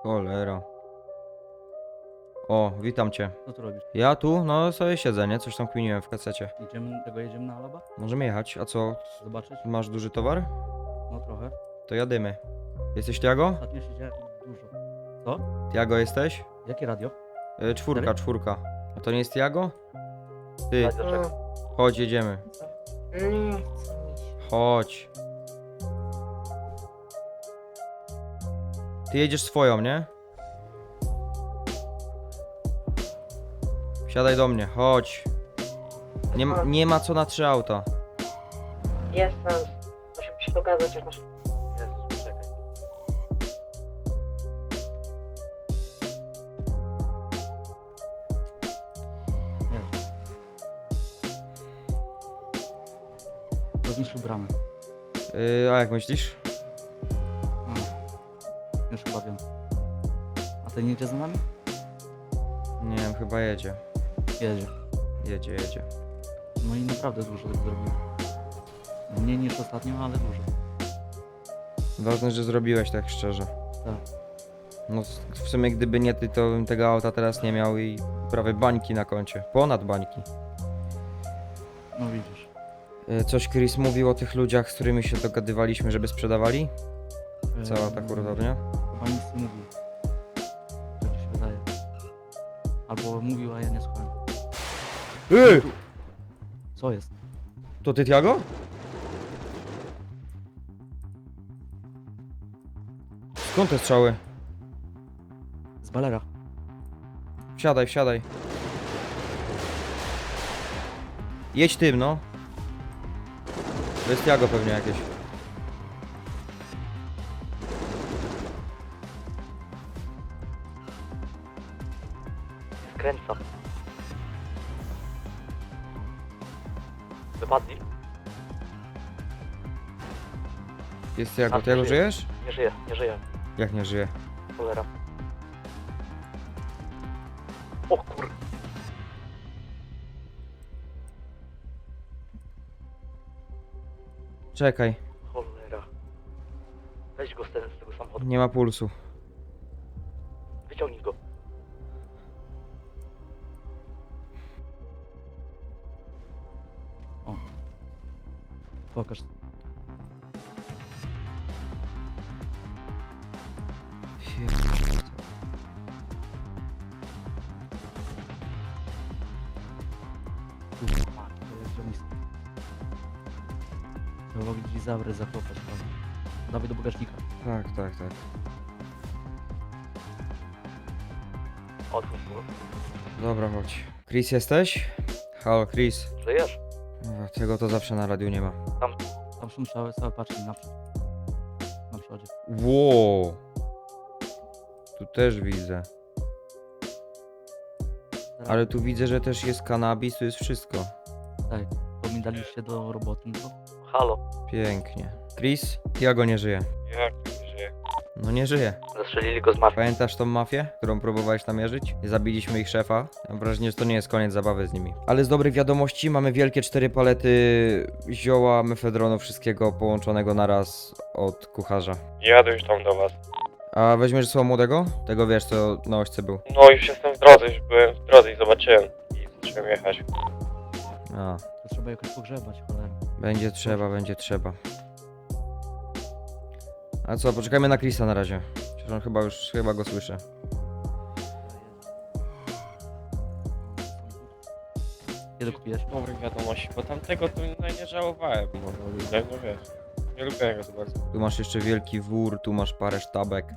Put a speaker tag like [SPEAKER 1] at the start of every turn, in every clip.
[SPEAKER 1] Cholera. O, witam cię.
[SPEAKER 2] Co tu robisz?
[SPEAKER 1] Ja tu, no sobie siedzę, nie? Coś tam kminiłem w kasecie.
[SPEAKER 2] Jedziemy na Alaba?
[SPEAKER 1] Możemy jechać, a co?
[SPEAKER 2] Zobaczyć?
[SPEAKER 1] Masz duży towar?
[SPEAKER 2] No trochę.
[SPEAKER 1] To jadymy. Jesteś Tiago?
[SPEAKER 2] Ostatnio siedziałem dużo. Co?
[SPEAKER 1] Tiago jesteś?
[SPEAKER 2] Jakie radio?
[SPEAKER 1] Czwórka, czwórka. A to nie jest Tiago? Ty,
[SPEAKER 2] Radio czego?
[SPEAKER 1] chodź, jedziemy.
[SPEAKER 3] Nie chcę mi się.
[SPEAKER 1] Chodź. Ty jedziesz swoją, nie? Siadaj do mnie, chodź. Nie ma co na 3 auta.
[SPEAKER 3] Jestem. Musimy się dogadać, jak masz...
[SPEAKER 2] Jezus, czekaj. Nie. Rozniszczył bramę.
[SPEAKER 1] A jak myślisz?
[SPEAKER 2] No. Już chyba wiem. A ten jedzie za nami?
[SPEAKER 1] Nie wiem, chyba jedzie.
[SPEAKER 2] Jedzie.
[SPEAKER 1] Jedzie.
[SPEAKER 2] No i naprawdę dużo tak zrobił. Mniej niż ostatnio, ale dużo.
[SPEAKER 1] Ważne, że zrobiłeś tak szczerze.
[SPEAKER 2] Tak.
[SPEAKER 1] No w sumie gdyby nie ty, to bym tego auta teraz nie miał i prawie bańki na koncie. Ponad bańki.
[SPEAKER 2] No widzisz.
[SPEAKER 1] Coś Chris mówił o tych ludziach, z którymi się dogadywaliśmy, żeby sprzedawali? Cała ta hurtownia?
[SPEAKER 2] Chyba nic nie mówił. Tak mi się wydaje. Albo mówił, a ja nie słuchałem. Co jest?
[SPEAKER 1] To ty, Tiago? Skąd te strzały?
[SPEAKER 2] Z balera.
[SPEAKER 1] Wsiadaj. Jedź tym, no. To jest Tiago pewnie jakieś.
[SPEAKER 2] Skręca. Wypadli?
[SPEAKER 1] Jest Tiago.
[SPEAKER 2] A,
[SPEAKER 1] Tiago,
[SPEAKER 2] żyje.
[SPEAKER 1] żyjesz?
[SPEAKER 2] Nie żyje.
[SPEAKER 1] Jak nie żyje?
[SPEAKER 2] Cholera. O kur...
[SPEAKER 1] Czekaj,
[SPEAKER 2] Cholera. Weź go z tego samochodu.
[SPEAKER 1] nie ma pulsu.
[SPEAKER 2] Wyciągnij go. O. Pokaż. Kurwa, to jest ziomisty. Trzeba gdzieś zawry zakopać, prawda? Dawaj do bagażnika.
[SPEAKER 1] Tak.
[SPEAKER 2] Otwórz go.
[SPEAKER 1] Dobra, chodź. Chris, jesteś? Halo, Chris.
[SPEAKER 2] Żyjesz?
[SPEAKER 1] Tego to zawsze na radiu nie ma.
[SPEAKER 2] Tam są całe paczki naprzód. Na przodzie.
[SPEAKER 1] Wow. Tu też widzę. Ale tu widzę, że też jest kanabis, tu jest wszystko.
[SPEAKER 2] Tak, to mi daliście do roboty, no to... Halo.
[SPEAKER 1] Pięknie. Chris? Tiago nie żyje.
[SPEAKER 4] Jak nie żyje?
[SPEAKER 1] No nie żyje.
[SPEAKER 2] Zastrzelili go z martwy.
[SPEAKER 1] Pamiętasz tą mafię, którą próbowałeś namierzyć? Zabiliśmy ich szefa. Mam wrażenie, że to nie jest koniec zabawy z nimi. Ale z dobrych wiadomości mamy wielkie 4 palety zioła, mefedronu, wszystkiego połączonego naraz od kucharza.
[SPEAKER 4] Jadę już tam do was.
[SPEAKER 1] A weźmiesz słowa młodego? Tego wiesz, co na ośce był.
[SPEAKER 4] No już jestem w drodze, już byłem w drodze i zobaczyłem. I zacząłem jechać.
[SPEAKER 1] A,
[SPEAKER 2] To trzeba jakoś pogrzebać, cholera.
[SPEAKER 1] będzie trzeba. A co, poczekajmy na Chrisa na razie. Przecież on chyba go słyszę.
[SPEAKER 2] Kiedy kupiłeś?
[SPEAKER 4] Dobrych wiadomości, bo tamtego to nie żałowałem, bo no wiesz. Nie lubię go za bardzo.
[SPEAKER 1] Tu masz jeszcze wielki wór, tu masz parę sztabek.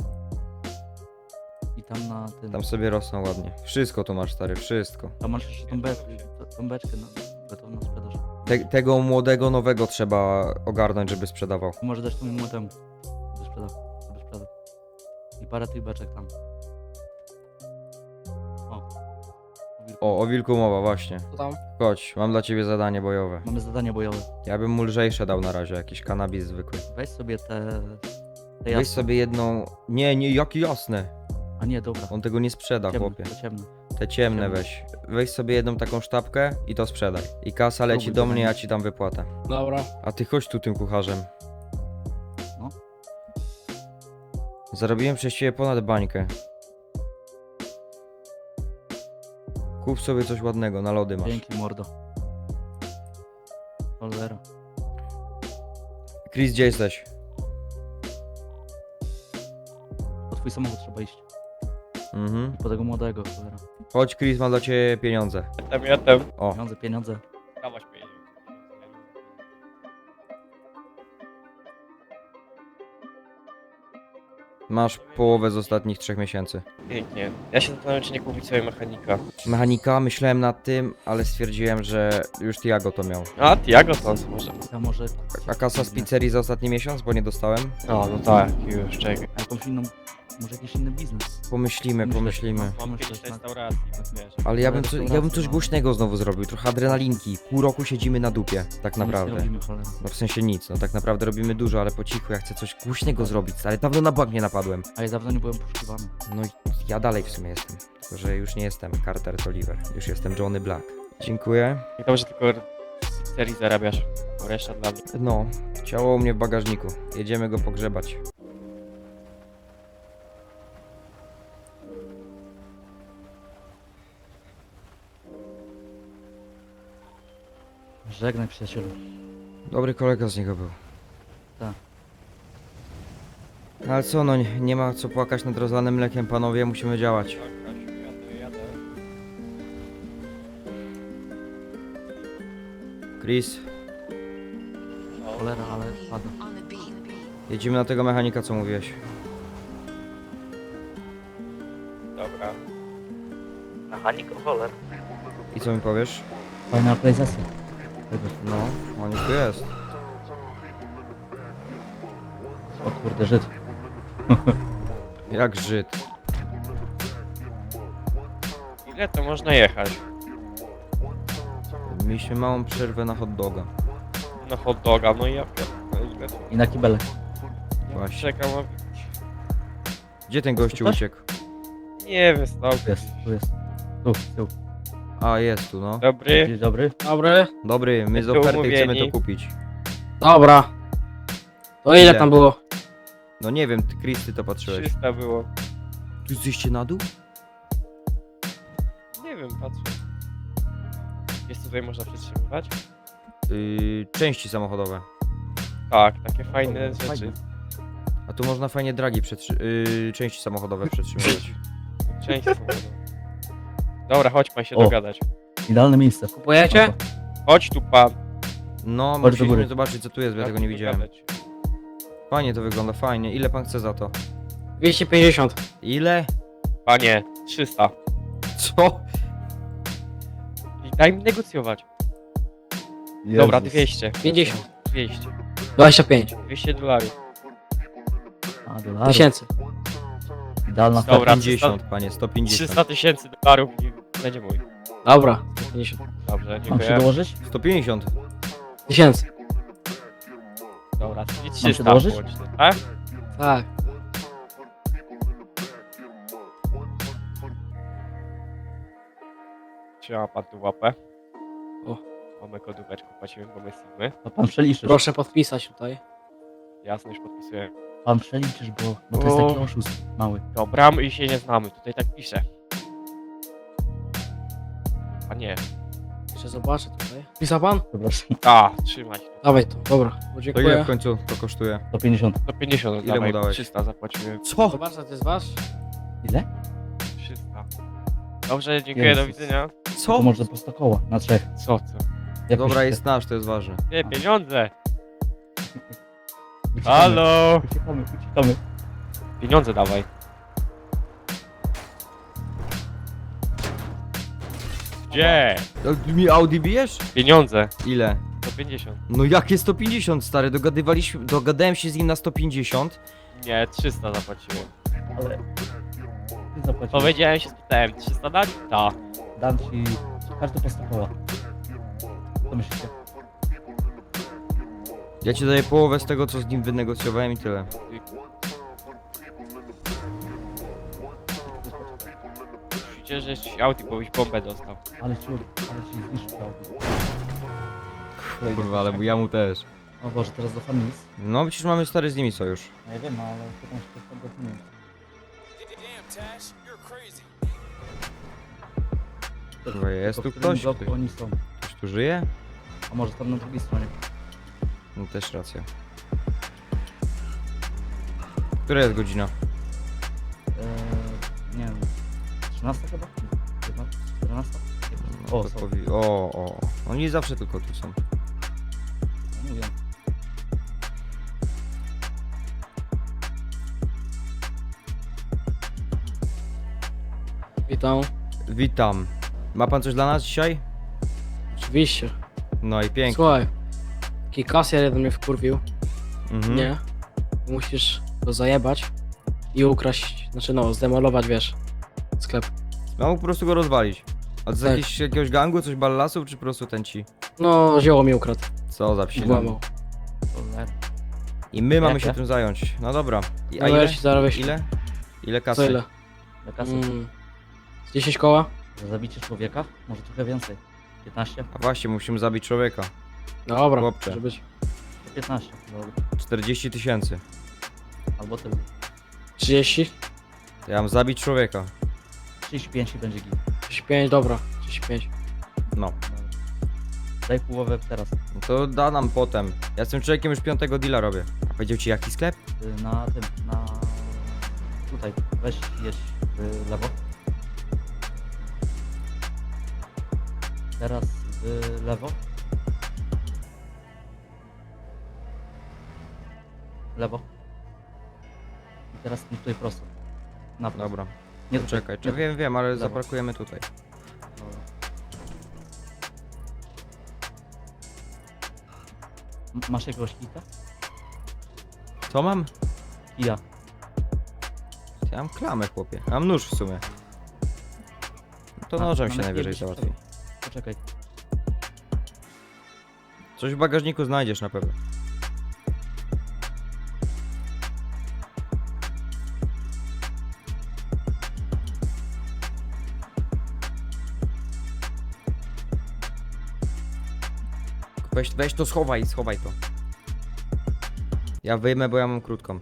[SPEAKER 2] I tam na tym...
[SPEAKER 1] Tam sobie rosną ładnie. Wszystko tu masz, stary, wszystko.
[SPEAKER 2] Tam masz jeszcze tą beczkę na sprzedaż.
[SPEAKER 1] Tego młodego, nowego trzeba ogarnąć, żeby sprzedawał.
[SPEAKER 2] Może dać temu młodemu. Żeby sprzedał. I parę tych beczek tam.
[SPEAKER 1] O wilku mowa, właśnie.
[SPEAKER 3] Co tam?
[SPEAKER 1] Chodź, mam dla ciebie zadanie bojowe.
[SPEAKER 2] Mamy zadanie bojowe.
[SPEAKER 1] Ja bym mu lżejsze dał na razie, jakiś kanabis zwykły.
[SPEAKER 2] Weź sobie te
[SPEAKER 1] Weź
[SPEAKER 2] jasne.
[SPEAKER 1] sobie jedną... Nie, jakie jasne.
[SPEAKER 2] A nie, dobra.
[SPEAKER 1] On tego nie sprzeda,
[SPEAKER 2] Ciemne,
[SPEAKER 1] chłopie.
[SPEAKER 2] to ciemne.
[SPEAKER 1] Te ciemne
[SPEAKER 2] Ciemne.
[SPEAKER 1] weź. Weź sobie jedną taką sztabkę i to sprzedaj. I kasa leci
[SPEAKER 2] Spróbuj
[SPEAKER 1] do
[SPEAKER 2] tego
[SPEAKER 1] mnie,
[SPEAKER 2] nie-
[SPEAKER 1] ja ci dam wypłatę.
[SPEAKER 3] Dobra.
[SPEAKER 1] A ty chodź tu tym kucharzem. Zarobiłem przez ciebie ponad bańkę. Kup sobie coś ładnego, na lody masz.
[SPEAKER 2] Dzięki, mordo. Cholera.
[SPEAKER 1] Chris, gdzie jesteś?
[SPEAKER 2] Po twój samochód trzeba iść.
[SPEAKER 1] Mhm.
[SPEAKER 2] Po tego młodego, cholera.
[SPEAKER 1] Chodź, Chris, mam dla ciebie pieniądze.
[SPEAKER 4] Jestem.
[SPEAKER 1] O,
[SPEAKER 2] Pieniądze, pieniądze.
[SPEAKER 4] Dawać pieniądze.
[SPEAKER 1] masz połowę z ostatnich 3 miesięcy.
[SPEAKER 4] Pięknie. Ja się zastanawiam, czy nie kupić sobie mechanika.
[SPEAKER 1] Mechanika, myślałem nad tym, ale stwierdziłem, że już Tiago to miał.
[SPEAKER 4] A, Tiago to może.
[SPEAKER 2] Ja może...
[SPEAKER 1] A kasa z pizzerii za ostatni miesiąc, bo nie dostałem?
[SPEAKER 4] No tak, już, czekaj.
[SPEAKER 2] A jakąś inną... Może jakiś inny biznes.
[SPEAKER 1] Pomyślimy.
[SPEAKER 4] Mam
[SPEAKER 2] Myślę,
[SPEAKER 4] kiedyś
[SPEAKER 2] tak.
[SPEAKER 4] restauracji, wiesz.
[SPEAKER 1] Ale ja bym coś
[SPEAKER 2] Restauracja,
[SPEAKER 1] głośnego znowu zrobił, trochę adrenalinki. Pół roku siedzimy na dupie, tak
[SPEAKER 2] Nic nie
[SPEAKER 1] naprawdę.
[SPEAKER 2] robimy, cholera.
[SPEAKER 1] No w sensie nic, no tak naprawdę robimy dużo, ale po cichu, ja chcę coś głośnego zrobić, ale dawno na bank nie napadłem.
[SPEAKER 2] A ja dawno nie byłem poszukiwany.
[SPEAKER 1] No i ja dalej w sumie jestem, tylko że już nie jestem Carter Toliver, już jestem Johnny Black. Dziękuję.
[SPEAKER 4] I dobrze, tylko w pizzerii zarabiasz, bo reszta dla mnie.
[SPEAKER 1] No, ciało u mnie w bagażniku, jedziemy go pogrzebać.
[SPEAKER 2] Żegnaj, przyjacielu.
[SPEAKER 1] Dobry kolega z niego był.
[SPEAKER 2] Tak.
[SPEAKER 1] Ale co, no nie ma co płakać nad rozlanym mlekiem, panowie, musimy działać.
[SPEAKER 4] Tak, Kasiu, jadę.
[SPEAKER 1] Chris,
[SPEAKER 2] Cholera, ale padł.
[SPEAKER 1] jedziemy na tego mechanika, co mówiłeś.
[SPEAKER 4] Dobra.
[SPEAKER 2] Mechanik, cholera.
[SPEAKER 1] I co mi powiesz?
[SPEAKER 2] Fajna aktualizacja.
[SPEAKER 1] No, on już tu jest.
[SPEAKER 2] O kurde, Żyd.
[SPEAKER 1] Jak Żyd.
[SPEAKER 4] Ile to można jechać?
[SPEAKER 1] Mieliśmy małą przerwę na hot doga.
[SPEAKER 4] Na hot doga, no i ja pierdolę, ile to...
[SPEAKER 2] I na kibelek.
[SPEAKER 1] Właśnie.
[SPEAKER 4] Czekam, a...
[SPEAKER 1] Gdzie ten gościu
[SPEAKER 2] Coś?
[SPEAKER 1] uciekł?
[SPEAKER 4] Nie wiem, stał.
[SPEAKER 2] Tu jest, tu jest. Tu, tu.
[SPEAKER 1] A, jest tu, no.
[SPEAKER 4] Dobry.
[SPEAKER 2] Dzień dobry.
[SPEAKER 5] Dobry.
[SPEAKER 1] Dobry, my z
[SPEAKER 4] Jesteśmy
[SPEAKER 1] oferty chcemy
[SPEAKER 4] umówieni.
[SPEAKER 1] to kupić.
[SPEAKER 5] Dobra. To ile
[SPEAKER 1] Ile?
[SPEAKER 5] tam było?
[SPEAKER 1] No nie wiem, ty, Chris, ty to patrzyłeś.
[SPEAKER 4] 300 było.
[SPEAKER 1] Tu zejście na dół?
[SPEAKER 4] Nie wiem, patrzę. Jest tutaj można przetrzymywać?
[SPEAKER 1] Części samochodowe.
[SPEAKER 4] Tak, takie fajne
[SPEAKER 2] Fajne.
[SPEAKER 4] rzeczy.
[SPEAKER 1] A tu można fajnie dragi części samochodowe przetrzymywać.
[SPEAKER 4] Część samochodu. Dobra, chodź pan się
[SPEAKER 2] O.
[SPEAKER 4] dogadać.
[SPEAKER 2] Idealne miejsce.
[SPEAKER 5] Kupujecie?
[SPEAKER 4] Chodź tu pan.
[SPEAKER 1] No,
[SPEAKER 2] Chodź do
[SPEAKER 1] musieliśmy
[SPEAKER 2] góry.
[SPEAKER 1] zobaczyć co tu jest, bo ja
[SPEAKER 4] Jak
[SPEAKER 1] tego nie
[SPEAKER 4] tu
[SPEAKER 1] widziałem.
[SPEAKER 4] dogadać?
[SPEAKER 1] Fajnie to wygląda, fajnie. Ile pan chce za to?
[SPEAKER 5] 250.
[SPEAKER 1] Ile?
[SPEAKER 4] Panie, 300.
[SPEAKER 1] Co?
[SPEAKER 4] I daj mi negocjować.
[SPEAKER 2] Jezus.
[SPEAKER 4] Dobra, 200.
[SPEAKER 5] 50.
[SPEAKER 4] 200.
[SPEAKER 5] 25.
[SPEAKER 4] 200 dolarów.
[SPEAKER 2] A, dolarów.
[SPEAKER 5] Tysięcy.
[SPEAKER 2] Idealna
[SPEAKER 4] Dobra.
[SPEAKER 2] oferta.
[SPEAKER 1] 150, panie, 150.
[SPEAKER 4] 300 tysięcy dolarów i będzie mój.
[SPEAKER 5] Dobra. 50.
[SPEAKER 4] Dobrze,
[SPEAKER 2] Mam się
[SPEAKER 4] dziękuję.
[SPEAKER 2] dołożyć?
[SPEAKER 1] 150.
[SPEAKER 5] Tysięcy.
[SPEAKER 4] Dobra, czyli
[SPEAKER 2] się
[SPEAKER 4] 300
[SPEAKER 2] dołożyć?
[SPEAKER 4] łącznie, tak?
[SPEAKER 5] Tak.
[SPEAKER 4] Trzyma pan tu łapę.
[SPEAKER 5] O.
[SPEAKER 4] Mamy kodóweczkę, płacimy, bo my Sigmy.
[SPEAKER 2] To pan przeliczysz.
[SPEAKER 5] Proszę podpisać tutaj.
[SPEAKER 4] Jasno, już podpisuję.
[SPEAKER 2] Pan przeliczysz, bo to jest
[SPEAKER 4] O.
[SPEAKER 2] taki oszust mały.
[SPEAKER 4] Dobra, my się nie znamy, tutaj tak pisze. A nie.
[SPEAKER 5] Jeszcze zobaczę tutaj. Pisał pan?
[SPEAKER 2] Przepraszam.
[SPEAKER 4] A, trzymać.
[SPEAKER 5] Dawaj to. Dobra. Bo
[SPEAKER 1] To ile
[SPEAKER 5] dziękuję.
[SPEAKER 1] w końcu to kosztuje?
[SPEAKER 2] 150.
[SPEAKER 4] 150
[SPEAKER 1] Ile mu
[SPEAKER 4] dawaj,
[SPEAKER 1] dałeś?
[SPEAKER 4] 300 zapłaciłem.
[SPEAKER 1] Co?
[SPEAKER 5] Zobacz, to jest wasz.
[SPEAKER 2] Ile?
[SPEAKER 4] 300. Dobrze, dziękuję, do
[SPEAKER 2] Jezus.
[SPEAKER 4] widzenia.
[SPEAKER 2] To
[SPEAKER 1] Co?
[SPEAKER 2] może po 100 koła, na 3.
[SPEAKER 4] Co?
[SPEAKER 2] Jak
[SPEAKER 1] Dobra,
[SPEAKER 2] myślicie?
[SPEAKER 1] jest nasz, to jest ważne.
[SPEAKER 4] Nie, pieniądze!
[SPEAKER 2] Uciekamy.
[SPEAKER 4] Halo!
[SPEAKER 2] Uciekamy, uciekamy.
[SPEAKER 4] Pieniądze dawaj. Gdzie?
[SPEAKER 1] Mi Audi bijesz?
[SPEAKER 4] Pieniądze.
[SPEAKER 1] Ile?
[SPEAKER 4] 150.
[SPEAKER 1] No jakie 150, stary? Dogadałem się z nim na 150.
[SPEAKER 4] Nie, 300 zapłaciłem.
[SPEAKER 2] Ale... Ty zapłaciłeś.
[SPEAKER 4] Powiedziałem się, spytałem, 300 dać? Tak.
[SPEAKER 2] Dam ci każdy po 100 koła. Co myślicie?
[SPEAKER 1] Ja ci daję połowę z tego, co z nim wynegocjowałem i tyle.
[SPEAKER 4] Przecież jesteś Audi, bo byś bombę dostał.
[SPEAKER 2] Ale ci zniszczył auto.
[SPEAKER 1] Kurwa, ale ja mu też.
[SPEAKER 2] O Boże, teraz do Familis.
[SPEAKER 1] No przecież mamy stary z nimi sojusz.
[SPEAKER 2] No ja wiem, ale pytam się do Familis.
[SPEAKER 1] Kurwa, jest tu
[SPEAKER 2] W którym
[SPEAKER 1] ktoś?
[SPEAKER 2] bloku oni są?
[SPEAKER 1] Ktoś tu żyje?
[SPEAKER 2] A może tam na drugiej stronie?
[SPEAKER 1] No też racja. Która jest godzina?
[SPEAKER 2] Nie wiem. 13 chyba? 15? 14? O,
[SPEAKER 1] To
[SPEAKER 2] są.
[SPEAKER 1] o. Oni zawsze tylko tu są.
[SPEAKER 2] No mówię.
[SPEAKER 5] Witam.
[SPEAKER 1] Witam. Ma pan coś dla nas dzisiaj?
[SPEAKER 5] Oczywiście.
[SPEAKER 1] No i pięknie.
[SPEAKER 5] Słuchaj. Taki kasjer jeden mnie wkurwił.
[SPEAKER 1] Mhm.
[SPEAKER 5] Nie. Musisz go zajebać i ukraść, znaczy no, zdemolować, wiesz, sklep.
[SPEAKER 1] No mógł po prostu go rozwalić. A z
[SPEAKER 5] Tak.
[SPEAKER 1] jakiegoś gangu, coś ballasów, czy po prostu ten ci?
[SPEAKER 5] No, zioło mi ukradł.
[SPEAKER 1] Co za psina.
[SPEAKER 5] Włamał.
[SPEAKER 2] Cholera.
[SPEAKER 1] I my mamy
[SPEAKER 2] Jakie?
[SPEAKER 1] się tym zająć. No dobra. I, a
[SPEAKER 5] No
[SPEAKER 1] ile?
[SPEAKER 5] ja ci zaraz wyślę.
[SPEAKER 1] Ile? Ile kasy?
[SPEAKER 5] Co ile?
[SPEAKER 2] Do kasy.
[SPEAKER 5] Z 10 koła?
[SPEAKER 2] Za zabicie człowieka? Może trochę więcej. 15?
[SPEAKER 1] A właśnie, musimy zabić człowieka.
[SPEAKER 5] Dobra,
[SPEAKER 1] Chłopcze.
[SPEAKER 5] może być.
[SPEAKER 2] 15. Dobra.
[SPEAKER 1] 40 000.
[SPEAKER 2] Albo tyle.
[SPEAKER 5] 30?
[SPEAKER 1] To ja mam zabić człowieka.
[SPEAKER 2] 35 i będzie git.
[SPEAKER 5] 35, dobra. 35.
[SPEAKER 1] No.
[SPEAKER 2] Dobra. Daj połowę teraz.
[SPEAKER 1] No to da nam potem. Ja z tym człowiekiem już 5. deala robię. A powiedział ci jaki sklep?
[SPEAKER 2] Na tym, na... Tutaj. Weź jedź w lewo. Teraz w lewo. Lewo. I teraz tutaj prosto. Na prosto.
[SPEAKER 1] Dobra.
[SPEAKER 2] Nie tutaj.
[SPEAKER 1] Czekaj,
[SPEAKER 2] Nie
[SPEAKER 1] wiem, ale
[SPEAKER 2] Lewo.
[SPEAKER 1] zaparkujemy tutaj.
[SPEAKER 2] Dobra. Masz jakiegoś kita?
[SPEAKER 1] Co mam?
[SPEAKER 2] Ja.
[SPEAKER 1] Ja mam klamę, chłopie. Ja mam nóż w sumie. To
[SPEAKER 2] A,
[SPEAKER 1] nożem
[SPEAKER 2] na
[SPEAKER 1] się
[SPEAKER 2] lepiej
[SPEAKER 1] najwyżej
[SPEAKER 2] byś
[SPEAKER 1] załatwi.
[SPEAKER 2] Poczekaj.
[SPEAKER 1] Coś w bagażniku znajdziesz na pewno. Weź to schowaj to. Ja wyjmę, bo ja mam krótką.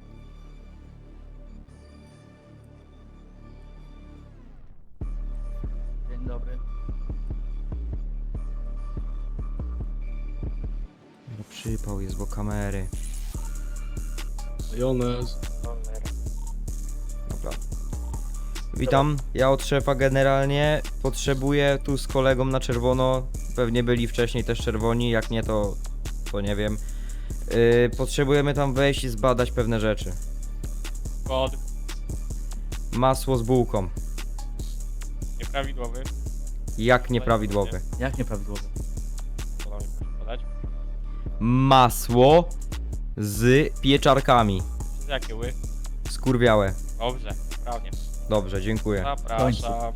[SPEAKER 2] Dzień dobry.
[SPEAKER 1] No przypał jest, bo kamery.
[SPEAKER 5] Jones.
[SPEAKER 1] Dobra. Witam, ja od szefa generalnie potrzebuję tu z kolegą na czerwono. Pewnie byli wcześniej też czerwoni, jak nie to nie wiem. Potrzebujemy tam wejść i zbadać pewne rzeczy.
[SPEAKER 4] Kod
[SPEAKER 1] Masło z bułką.
[SPEAKER 4] nieprawidłowy.
[SPEAKER 1] Jak nieprawidłowe.
[SPEAKER 2] Jak nieprawidłowo?
[SPEAKER 4] Podam mi proszę podać.
[SPEAKER 1] Masło z pieczarkami.
[SPEAKER 4] Z jakie ły?
[SPEAKER 1] Skurwiałe.
[SPEAKER 4] Dobrze, prawnie.
[SPEAKER 1] Dobrze, dziękuję.
[SPEAKER 4] Zapraszam.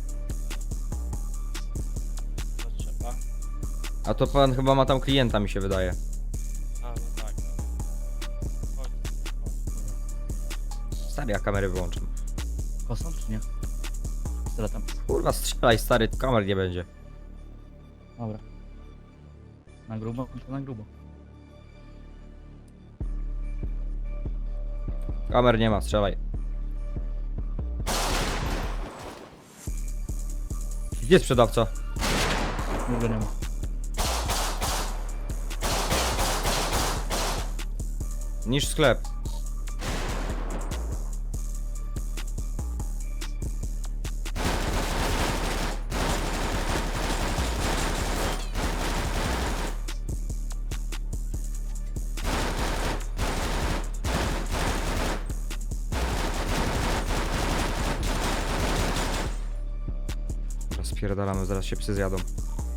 [SPEAKER 4] Co trzeba?
[SPEAKER 1] A to pan chyba ma tam klienta, mi się wydaje.
[SPEAKER 4] A, no tak. Chodź, chodź.
[SPEAKER 1] Stary, ja kamery wyłączam.
[SPEAKER 2] Kosą czy nie? Pistoletem.
[SPEAKER 1] Kurwa, strzelaj stary, kamer nie będzie.
[SPEAKER 2] Dobra. Na grubo? To na grubo.
[SPEAKER 1] Kamer nie ma, strzelaj. Gdzie jest sprzedawca?
[SPEAKER 2] Nigdy nie ma.
[SPEAKER 1] Niż sklep. Spierdalamy, zaraz się psy zjadą.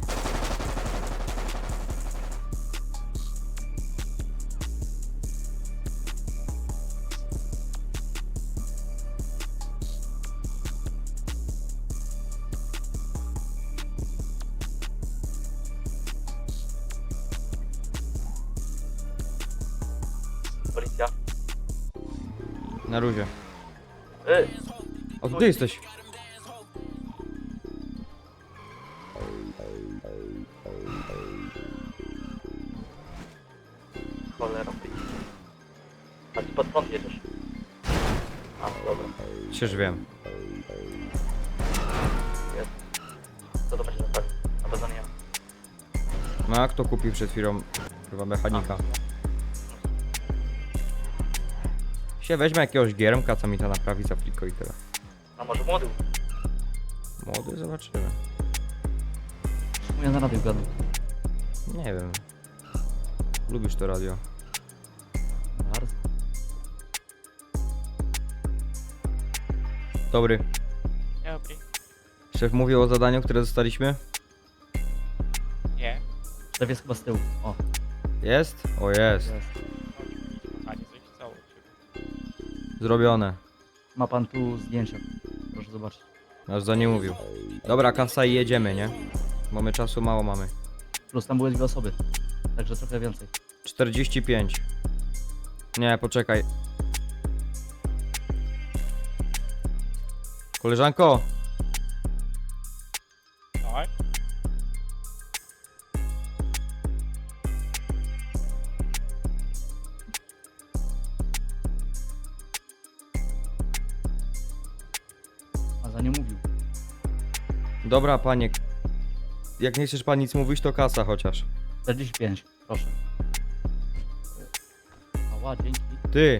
[SPEAKER 2] Policja.
[SPEAKER 1] Na luzie.
[SPEAKER 2] Ej!
[SPEAKER 1] O, ty jesteś.
[SPEAKER 2] skąd jedziesz? A, dobra.
[SPEAKER 1] Przecież wiem.
[SPEAKER 2] Co to będzie zostawić? Na pewno nie ja.
[SPEAKER 1] No a kto kupił przed chwilą chyba mechanika? Się weźmie jakiegoś giermka, co mi to naprawi za fliko i tyle.
[SPEAKER 2] A może młody?
[SPEAKER 1] Młody, zobaczymy.
[SPEAKER 2] Ja na radiu gadam.
[SPEAKER 1] Nie wiem. Lubisz to radio?
[SPEAKER 2] Bardzo.
[SPEAKER 1] Dobry.
[SPEAKER 4] Dobry.
[SPEAKER 1] Szef mówił o zadaniu, które dostaliśmy?
[SPEAKER 4] Nie.
[SPEAKER 2] Szef jest chyba z tyłu. O,
[SPEAKER 1] Jest? O jest.
[SPEAKER 2] jest.
[SPEAKER 4] Panie, coś stało u ciebie.
[SPEAKER 1] Zrobione.
[SPEAKER 2] Ma pan tu zdjęcia. Proszę zobaczyć.
[SPEAKER 1] Aż za nie mówił. Dobra, kasa i jedziemy, nie? Mamy czasu, mało mamy.
[SPEAKER 2] Plus tam były 2 osoby. Także trochę więcej.
[SPEAKER 1] 45. Nie, poczekaj. Koleżanko!
[SPEAKER 4] Tak?
[SPEAKER 2] A za nie mówił.
[SPEAKER 1] Dobra, panie. Jak nie chcesz pan nic mówić, to kasa chociaż.
[SPEAKER 2] 45, proszę. Ała, dzięki.
[SPEAKER 1] Ty!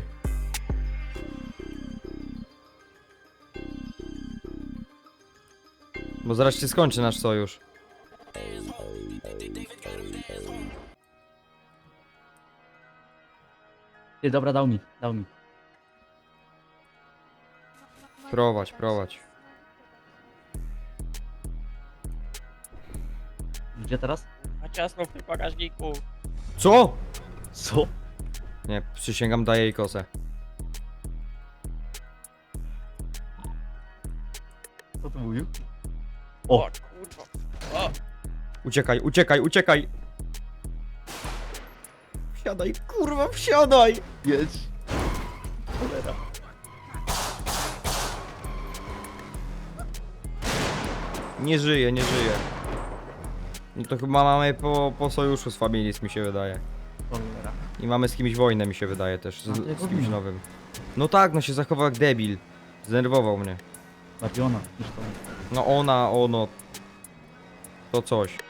[SPEAKER 1] Bo zaraz się skończy nasz sojusz.
[SPEAKER 2] Ty, dobra, dał mi.
[SPEAKER 1] Prowadź, prowadź.
[SPEAKER 2] Gdzie teraz?
[SPEAKER 4] A ciasno w tym bagażniku.
[SPEAKER 1] Co?
[SPEAKER 2] Co?
[SPEAKER 1] Nie, przysięgam, daję jej kosę.
[SPEAKER 2] Co to mówił?
[SPEAKER 4] O,
[SPEAKER 2] O,
[SPEAKER 4] kurwa. O,
[SPEAKER 1] Uciekaj, uciekaj, uciekaj! Wsiadaj, kurwa, wsiadaj!
[SPEAKER 2] jedź. Cholera.
[SPEAKER 1] Nie żyje, nie żyje. No to chyba mamy po sojuszu z Familis, mi się wydaje.
[SPEAKER 2] Cholera.
[SPEAKER 1] I mamy z kimś wojnę, mi się wydaje też,
[SPEAKER 2] A, to jego
[SPEAKER 1] z kimś
[SPEAKER 2] wina.
[SPEAKER 1] nowym. No tak, no się zachował jak debil. Zdenerwował mnie.
[SPEAKER 2] Bardziej ona niż to.
[SPEAKER 1] No ona, ono. To coś.